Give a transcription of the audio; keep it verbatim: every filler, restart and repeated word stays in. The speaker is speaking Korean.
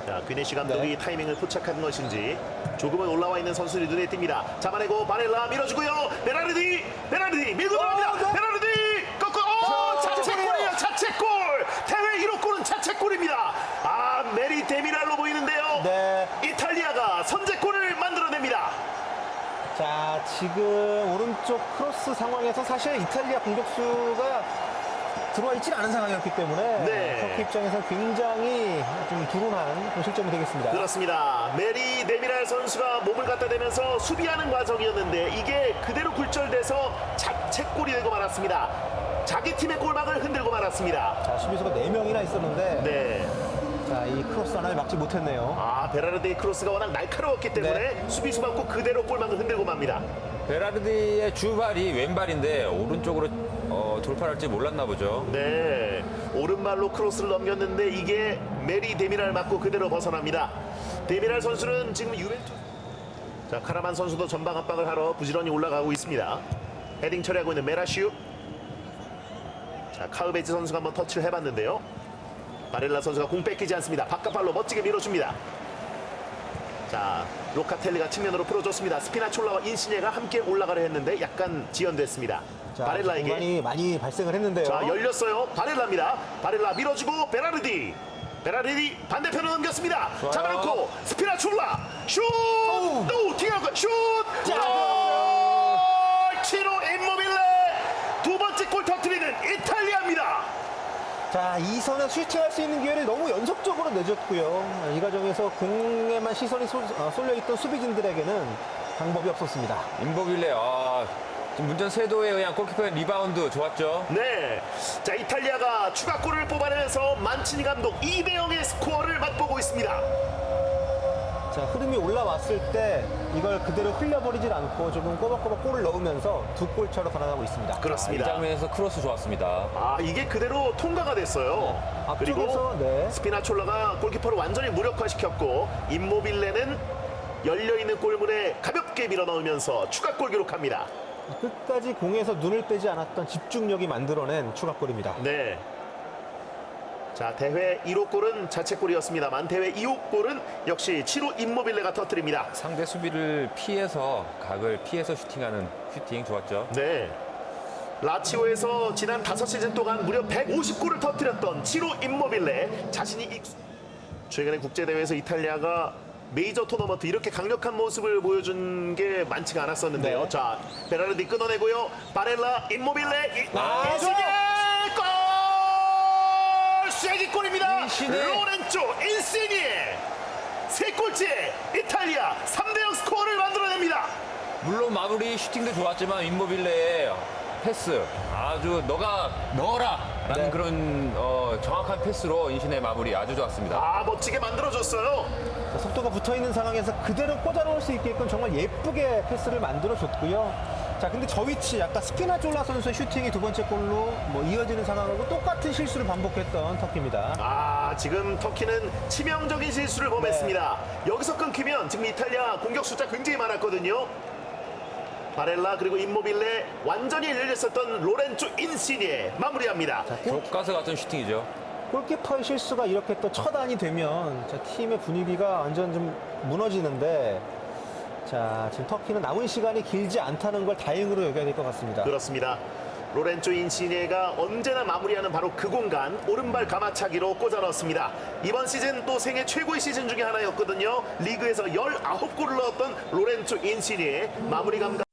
자, 귀네시 감독이 네. 타이밍을 포착한 것인지 조금은 올라와 있는 선수들이 눈에 띕니다. 잡아내고 바렐라 밀어주고요. 베라르디, 베라르디 밀고 들어갑니다. 어, 베라르디 꺾어. 오, 자책골이에요. 자책골. 대회 일 호 골은 자책골입니다. 아, 메리 데미랄로 보이는데요. 네. 이탈리아가 선제골을 만들어냅니다. 자, 지금 오른쪽 크로스 상황에서 사실 이탈리아 공격수가 들어와 있지 않은 상황이었기 때문에 네. 터키 입장에서 굉장히 좀 불운한 그런 실점이 되겠습니다. 그렇습니다. 메리 데미랄 선수가 몸을 갖다 대면서 수비하는 과정이었는데 이게 그대로 굴절돼서 자책골이 되고 말았습니다. 자기 팀의 골망을 흔들고 말았습니다. 자, 수비수가 네 명이나 있었는데 네. 자, 이 크로스 하나를 막지 못했네요. 아, 베라르디의 크로스가 워낙 날카로웠기 때문에 네. 수비수 맞고 그대로 골망을 흔들고 맙니다. 베라르디의 주발이 왼발인데 오른쪽으로 어, 돌파를 할지 몰랐나 보죠. 네, 오른발로 크로스를 넘겼는데 이게 메리 데미랄 맞고 그대로 벗어납니다. 데미랄 선수는 지금 유벤투스. 자, 카라만 선수도 전방 압박을 하러 부지런히 올라가고 있습니다. 헤딩 처리하고 있는 메라슈. 자, 카우베지 선수가 한번 터치를 해봤는데요. 바렐라 선수가 공 뺏기지 않습니다. 바깥발로 멋지게 밀어줍니다. 자, 로카텔리가 측면으로 풀어줬습니다. 스피나촐라와 인시네가 함께 올라가려 했는데 약간 지연됐습니다. 자, 바렐라에게 공간이 많이 발생을 했는데요. 자, 열렸어요. 바렐라입니다. 바렐라 밀어주고 베라르디. 베라르디 반대편으로 넘겼습니다. 좋아요. 잡아놓고 스피나촐라 슛! 또 뒤에 가 슛! 자, 골! 치로 임모빌레 두 번째 골 터뜨리는 이탈리아입니다. 자, 이 선에 슈팅할 수 있는 기회를 너무 연속적으로 내줬고요. 이 과정에서 공에만 시선이 쏠, 어, 쏠려있던 수비진들에게는 방법이 없었습니다. 임보빌레, 아, 지금 문전 세도에 의한 골키퍼의 리바운드 좋았죠. 네, 자, 이탈리아가 추가골을 뽑아내면서 만치니 감독 이 대 영의 스코어를 맛보고 있습니다. 자, 흐름이 올라왔을 때 이걸 그대로 흘려버리질 않고 조금 꼬박꼬박 골을 넣으면서 두 골차로 달아나고 있습니다. 아, 이 그렇습니다. 장면에서 크로스 좋았습니다. 아, 이게 그대로 통과가 됐어요. 그리고 앞쪽에서 네. 스피나촐라가 골키퍼를 완전히 무력화시켰고 임모빌레는 열려있는 골문에 가볍게 밀어넣으면서 추가골 기록합니다. 끝까지 공에서 눈을 빼지 않았던 집중력이 만들어낸 추가골입니다. 네. 자, 대회 일 호 골은 자책골이었습니다만 대회 이 호 골은 역시 치로 임모빌레가 터뜨립니다. 상대 수비를 피해서 각을 피해서 슈팅하는 슈팅 좋았죠. 네. 라치오에서 지난 다섯 시즌 동안 무려 백오십 골을 터뜨렸던 치로 임모빌레 자신이 익... 최근에 국제대회에서 이탈리아가 메이저 토너먼트 이렇게 강력한 모습을 보여준 게 많지가 않았었는데요. 네. 자, 베라르디 끊어내고요. 바렐라, 임모빌레, 이... 아, 인시네 골! 쐐기골입니다. 인시네. 로렌조 인시니에 세 골째 이탈리아 삼 대 영 스코어를 만들어냅니다. 물론 마무리 슈팅도 좋았지만 임보빌레의 패스 아주 너가 넣어라 라는 네. 그런 어, 정확한 패스로 인신의 마무리 아주 좋았습니다. 아, 멋지게 만들어줬어요. 자, 속도가 붙어있는 상황에서 그대로 꽂아놓을 수 있게끔 정말 예쁘게 패스를 만들어줬고요. 자, 근데 저 위치 아까 스피나졸라 선수의 슈팅이 두 번째 골로 뭐 이어지는 상황하고 똑같은 실수를 반복했던 터키입니다. 아, 지금 터키는 치명적인 실수를 범했습니다. 여기서 끊기면 지금 이탈리아 공격 숫자 굉장히 많았거든요. 바렐라 그리고 임모빌레 완전히 열렸었던 로렌조 인시니에 마무리합니다. 교과서 같은 슈팅이죠. 골키퍼의 실수가 이렇게 또 처단이 되면 자, 팀의 분위기가 완전 좀 무너지는데 자, 지금 터키는 남은 시간이 길지 않다는 걸 다행으로 여겨야 될 것 같습니다. 그렇습니다. 로렌조 인시니에가 언제나 마무리하는 바로 그 공간 오른발 가마차기로 꽂아 넣었습니다. 이번 시즌 또 생애 최고의 시즌 중에 하나였거든요. 리그에서 열아홉 골을 넣었던 로렌조 인시니에 마무리 감각